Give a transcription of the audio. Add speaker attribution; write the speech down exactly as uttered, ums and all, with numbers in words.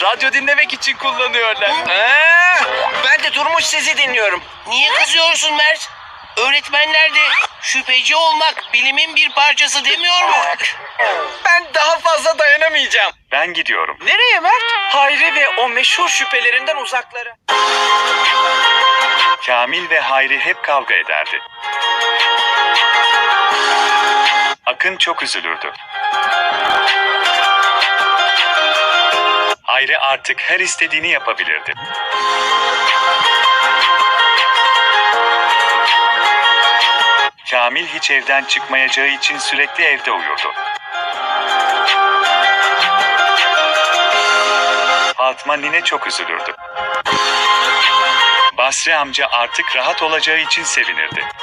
Speaker 1: radyo dinlemek için kullanıyorlar.
Speaker 2: Aa, ben de durmuş sizi dinliyorum.
Speaker 3: Niye kızıyorsun Mert? Öğretmenler de şüpheci olmak bilimin bir parçası demiyor mu?
Speaker 2: Ben daha fazla dayanamayacağım.
Speaker 4: Ben gidiyorum.
Speaker 2: Nereye Mert? Hayri ve o meşhur şüphelerinden uzaklara.
Speaker 4: Kamil ve Hayri hep kavga ederdi. Akın çok üzülürdü. Hayri artık her istediğini yapabilirdi. Kamil hiç evden çıkmayacağı için sürekli evde uyurdu. Fatma nine çok üzülürdü. Basri amca artık rahat olacağı için sevinirdi.